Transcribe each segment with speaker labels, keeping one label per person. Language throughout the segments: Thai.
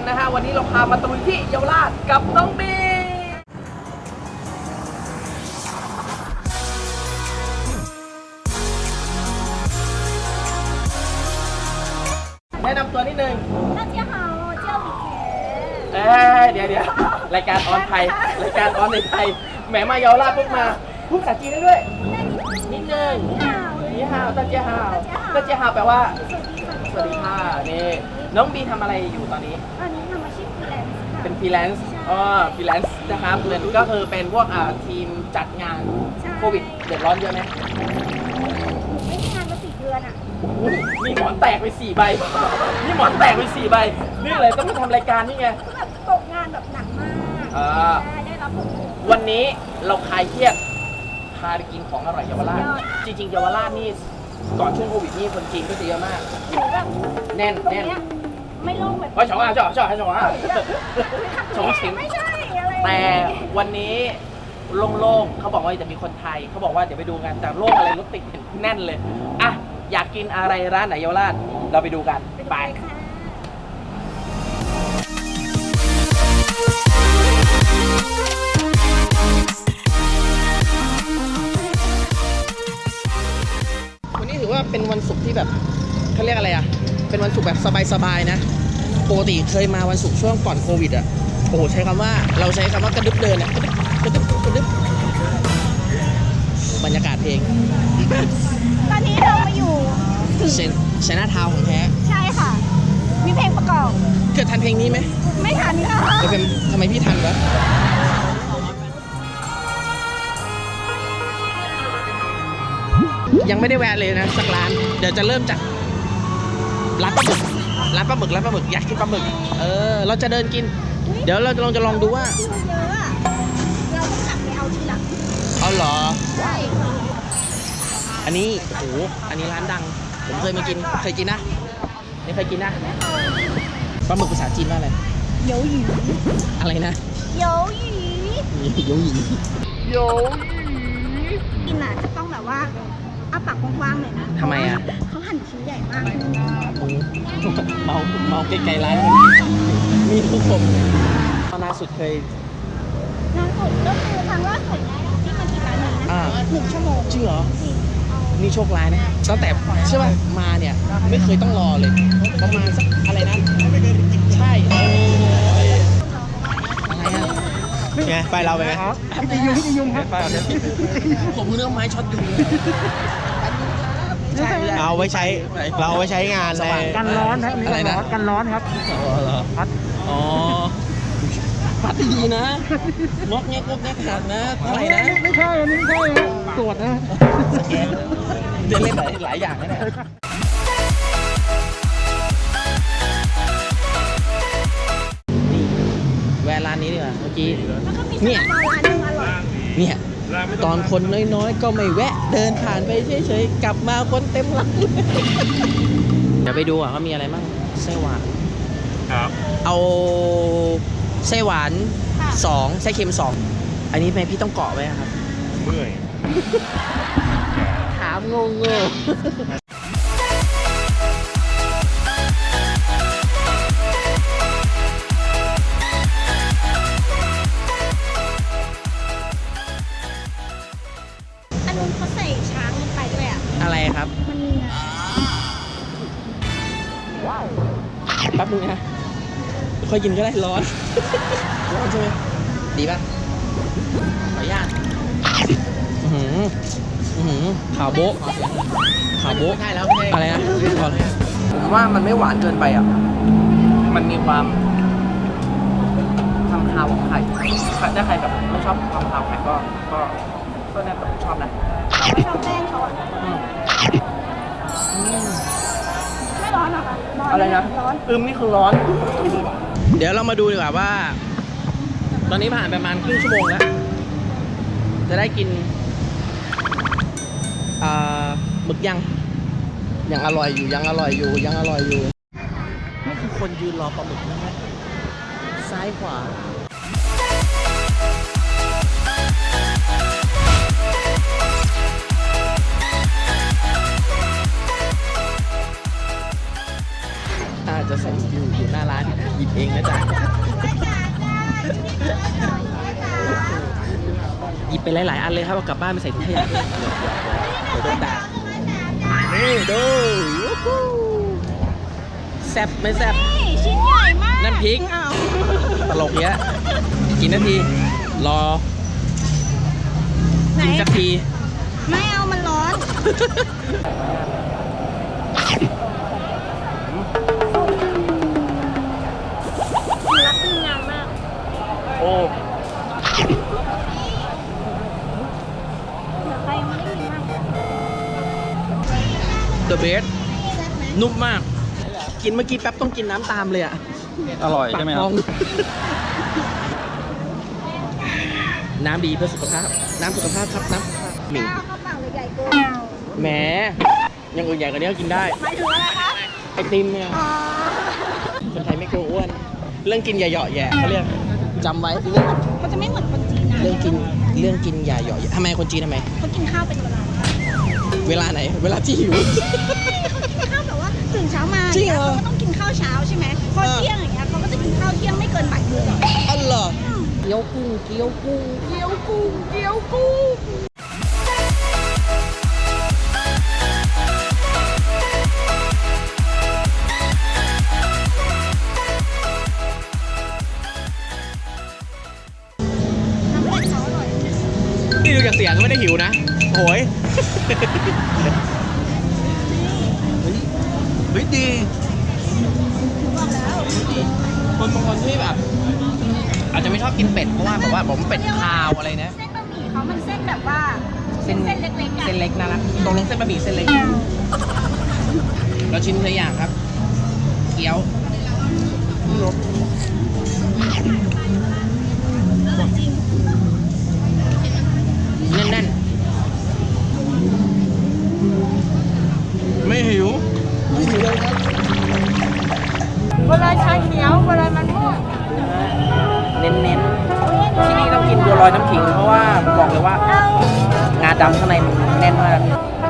Speaker 1: นะฮะวันนี้เราพามาตะลุยที่เยาวราชกับน้องบีแนะนำตัวนิดนึง
Speaker 2: 大家好我叫李杰
Speaker 1: เดี๋ยวรายการออนไทยรายการออนในไทยแหมมาเยาวราชปุ๊บมาพูดภาษาจีนได้ด้วยนิดนึงนี่ฮาวตาเจียฮาวตาเจียฮาวแปลว่าสวัสดีค่ะนี่น้องบีทำอะไรอยู่ตอนนี้
Speaker 2: ตอนนี้ทำอาชีพฟรีแลนซ์ค่ะ
Speaker 1: เป็นฟรีแลนซ์ฟรีแลนซ์นะครับเงินก็คือเป็นพวกทีมจัดงานโควิดเดือดร้อนเยอะไหม
Speaker 2: ไม่ได้งานมา4 เดือนอ่ะ
Speaker 1: นี่หมอนแตกไป4 ใบนี่หมอนแตกไป4 ใบนี่เลยต้องมาทำรายการนี่ไง
Speaker 2: ก็แบบตกงานแบบหนักมากได้รับผล
Speaker 1: วันนี้เราคลายเครียดพาไปกินของอร่อยเยาวราชจริงๆเยาวราชนี่ก่อนช่วงโควิดนี่คนจีนก็จะเยอะมากแน่น
Speaker 2: ไม่โล่งแบบ
Speaker 1: ฉงอ่ะฉงชิง
Speaker 2: ไม่ใช่อะไร
Speaker 1: แต่วันนี้โล่งๆเขาบอกว่าจะมีคนไทยเขาบอกว่าเดี๋ยวไปดูกันแต่โล่งอะไรรถติดแน่นเลยอ่ะอยากกินอะไรร้านไหนเยาวราชเราไปดูกันไปวันนี้ถือว่าเป็นวันศุกร์ที่แบบเขาเรียกอะไรอ่ะเป็นวันศุกร์แบบสบายๆนะปกติเคยมาวันศุกร์ช่วงก่อนโควิดอ่ะโอ้โหใช้คำว่ากระดึบเดินอ่ะกระดึบบรรยากาศเพลง
Speaker 2: ตอนนี้เรามาอยู่
Speaker 1: เซน่าทาวของแท้
Speaker 2: ใช่ค่ะมีเพลงประกอบ
Speaker 1: เกิดทันเพลงนี้ไหม
Speaker 2: ไม่ทันค่ะ
Speaker 1: ทำไมพี่ทันวะยังไม่ได้แวะเลยนะสักร้านเดี๋ยวจะเริ่มจากร้านปลาหมึกอยากกินปลาหมึกเราจะเดินกินเดี๋ยวเราจะลองดูว่า
Speaker 2: เยอะอะเราต้องขับไปเอาทีหลัง
Speaker 1: เอาเหรอ
Speaker 2: ใช่
Speaker 1: อันนี้โอ้โหอันนี้ร้านดังผมเคยมากินเคยกินนะนี่เคยกินนะปลาหมึกภาษาจีนว่าอะไร
Speaker 2: โยหยี
Speaker 1: อะไรนะ
Speaker 2: โยหยีกินอ่ะจะต้องแบบว่าอ้าปากกว้างๆเลยนะ
Speaker 1: ทำไมอ่ะ
Speaker 2: เขาหั่นชิ้นใหญ่มาก
Speaker 1: เมาไกลๆร้านมีทุกคนล่าสุดเคย
Speaker 2: ล่าสุดก็คือครั้งล่าสุดที่มากินร้านนี้นะ1 ชั่วโมง
Speaker 1: จริงเหรอนี่โชคร้ายนะตั้งแต่ใช่ป่ะมาเนี่ยไม่เคยต้องรอเลยประมาณสักอะไรนะใช่อะไรอ่ะ
Speaker 3: ไงไฟเราไปไหม
Speaker 1: พี่ยุงครับผมเรื่องไม้ช็อตยุง
Speaker 3: เอาไว้ใช้งานอะไร
Speaker 1: กันร้อนครับอะไรนะกันร้อนครับพัดพัดดีนะงอกแงกขาดนะอะไรนะ
Speaker 4: ไม่ใช่ตรวจนะ
Speaker 1: เดินเล่นหลายอย่างนะเนี่ยแวะร้านนี้ดีกว่าเมื่อกี้เนี่ยตอนคนน้อยๆก็ไม่แวะเดินผ่านไปเฉยๆกลับมาคนเต็มร้านเดี๋ยวไปดูว่ามีอะไรบ้างไส้หวานครับเอาไส้หวาน2ไส้เค็ม2อันนี้แม่พี่ต้องเกาะไว้ครับ
Speaker 3: เมื่อย
Speaker 1: ถามงง
Speaker 2: อันนู้นเขาใส่ช้างลงไปด้วยอ่ะ
Speaker 1: อะไรครับ
Speaker 2: มันมีนะ
Speaker 1: ว้าวแป๊บนึงนะค่อยกินก็ได้ร้อนใช่ไหมดีป่ะขออนุญาตข่าวโบ๊ะใช่แล้วอะไรนะผมว่ามันไม่หวานเกินไปอ่ะมันมีความคาวของไข่ถ้าใครแบบไม่ชอบความคาวไข่ก็น่าจะชอบนะ
Speaker 2: ไม่ชอบแป้งเขาอ่ะไม่ร้อนหรอคะ
Speaker 1: อะไรนะ
Speaker 2: ร้อน
Speaker 1: นี่คือร้อนเดี๋ยวเรามาดูดีกว่าว่าตอนนี้ผ่านประมาณครึ่งชั่วโมงแล้วจะได้กินหมึกยังอร่อยอยู่นี่คือคนยืนรอปลาหมึกนะครับซ้ายขวาจะใส่อยู่หน้าร้านอีกเองนะจ๊ะหยิบไปหลายๆอันเลยครับเอากลับบ้านไปใส่ถุงขยะด้วยเดี๋ยวโดนด่านี่ดูแซ่บไม่แซ่บ
Speaker 2: นี่ชิ้นใหญ่มาก
Speaker 1: น้ำพริก
Speaker 2: เอา
Speaker 1: ตลกเนี้ยกี่นาทีรอ
Speaker 2: ไหน
Speaker 1: กินสักที
Speaker 2: ไม่เอามันร้อนรักทีมงานมาก
Speaker 1: โอ้
Speaker 2: ใครยังไม่ได้ยินมาก
Speaker 1: The best นุ่มมาก กินเมื่อกี้แป๊บต้องกินน้ำตามเลยอ่ะ
Speaker 4: อร่อยใช่ไหมครับ
Speaker 1: ปากพองน้ำดีเพื่อสุขภาพ น้ำสุขภาพครับน้ำสุขภาพหมิ่ง
Speaker 2: ข้าวข้าวเปล่าเลยใหญ่เกิน
Speaker 1: แหมอยังอื่นใหญ่กว่านี้ก็กินได้
Speaker 2: หมายถึงอะไรคะ
Speaker 1: ไอติมเนี่ย
Speaker 2: อ๋อ
Speaker 1: คนไทยไม่กลัวอ้วน เรื่องกินอย่าเหยาะแหย่เขาเรียกจำไว้
Speaker 2: มันจะไม่เหมือนคนจีนนะ
Speaker 1: เรื่องกินอย่าเหยาะแหย่ทำไมคนจีนทำไม
Speaker 2: เขากินข้าวเป็นเวลา
Speaker 1: เวลาไหน เวลาที่หิว
Speaker 2: ข้าวแบบว่าตื่นเช้ามา
Speaker 1: จริงเหรอ
Speaker 2: เขาก็ต้องกินข้าวเช้าใช่ไหมพอเที่ยงอย่างเงี้ยเขาก็จะกินข้าวเที่ยงไม่เกินบ่ายโมง
Speaker 1: อ๋อเหรอเกี๊ยวกุ้งเกี๊ยวกุ้งเกี๊ยวกุ้งเกี๊ยวกุ้ง
Speaker 2: น้ำเผ็ดเขาอร่อย
Speaker 1: นี่ดูจากเสียงก็ไม่ได้หิวนะโอ้ยเฮ้ยดี
Speaker 2: บอกแล้ว
Speaker 1: คนบางคนที่แบบ อาจจะไม่ชอบกินเป็ดเพราะว่าแบบว่าผมเป็ดคาวอะไรนะ
Speaker 2: เส้นบะหมี่เขามันเส้นแบบว่า
Speaker 1: เส้น
Speaker 2: เส้นเล็กๆอะ
Speaker 1: เส้นเล็กน่ารักตรงลงเส้นบะหมี่เส้นเล็ก เราชิมตัวอย่างครับ เกี๊ยว
Speaker 2: จริง
Speaker 1: แน่นๆ ไม่หิว ไม่หิวเลยครับ
Speaker 2: เวลาชาเขียวเวลามันม่วง
Speaker 1: เน้นๆ ที่นี่ต้องกินบัวลอยน้ำขิงเพราะว่าบอกเลยว่า งาดำข้างในมันแน่นมาก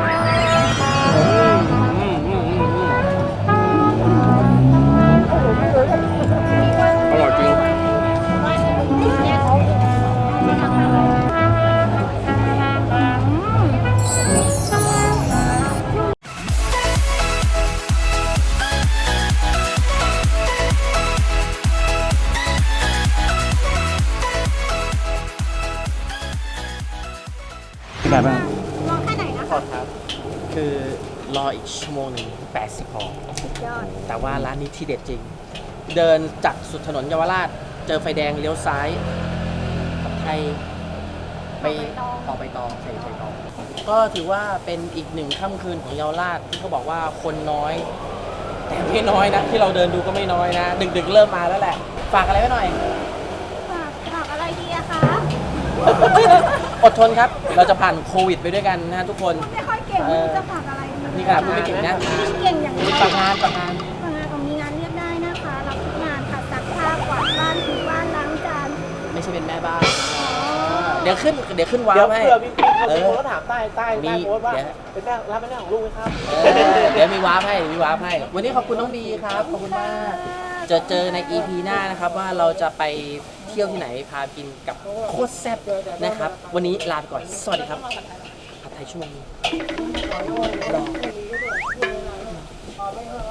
Speaker 1: อร่อยจริง
Speaker 4: แบบว่า
Speaker 2: ลองแค่ไหนนะ
Speaker 1: ขอครับ คือรออีกชั่วโมงหนึ่ง80พอ
Speaker 2: สุดยอด
Speaker 1: แต่ว่าร้านนี้ที่เด็ดจริง เดินจากสุดถนนเยาวราช เจอไฟแดงเลี้ยวซ้ายผัดไทยไปต่อไปตองใส่ไฟตอง ก็ถือว่าเป็นอีกหนึ่งค่ำคืนของเยาวราชที่เขาบอกว่าคนน้อย แต่ไม่น้อยนะ ที่เราเดินดูก็ไม่น้อยนะ ดึกๆเริ่มมาแล้วแหละ ฝากอะไรไว้หน่อย
Speaker 2: ฝากอะไรดีอะคะ
Speaker 1: อดทนครับ เราจะผ่านโควิดไปด้วยกันนะทุกคน
Speaker 2: ไม่ค่อยเก่งไม่รู้จะฝากอะไรดี
Speaker 1: นี่ขนาดพูดไม่เก่งนะ
Speaker 2: เก่งอย่างเดียว
Speaker 1: ฝากงาน
Speaker 2: ฝากงานของมีงานเรียกได้นะคะ รับทุกงานค่ะซักผ้ากวาดบ้านถูบ้านล้างจาน
Speaker 1: ไม่ใช่เป็นแม่บ้าน เดี๋ยวขึ้นว้า
Speaker 3: เดี๋ยว ว
Speaker 1: ให้
Speaker 3: เผื่อมีคนก็ถามใต้โพสต์ว่า
Speaker 1: เดี๋ยว
Speaker 3: เป็นแม่รับเป็นแม่ของลูกไหมครับ
Speaker 1: เดี๋ยวมีวาร์ปให้ วันนี้ขอบคุณน้องบีครับ ขอบคุณมาก เจอใน EP หน้านะครับ ว่าเราจะไปเที่ยวที่ไหน พากินกับโคตรแซ่บนะครับ วันนี้ลาไปก่อน สวัสดีครับผัดไทยชั่วโมงนี้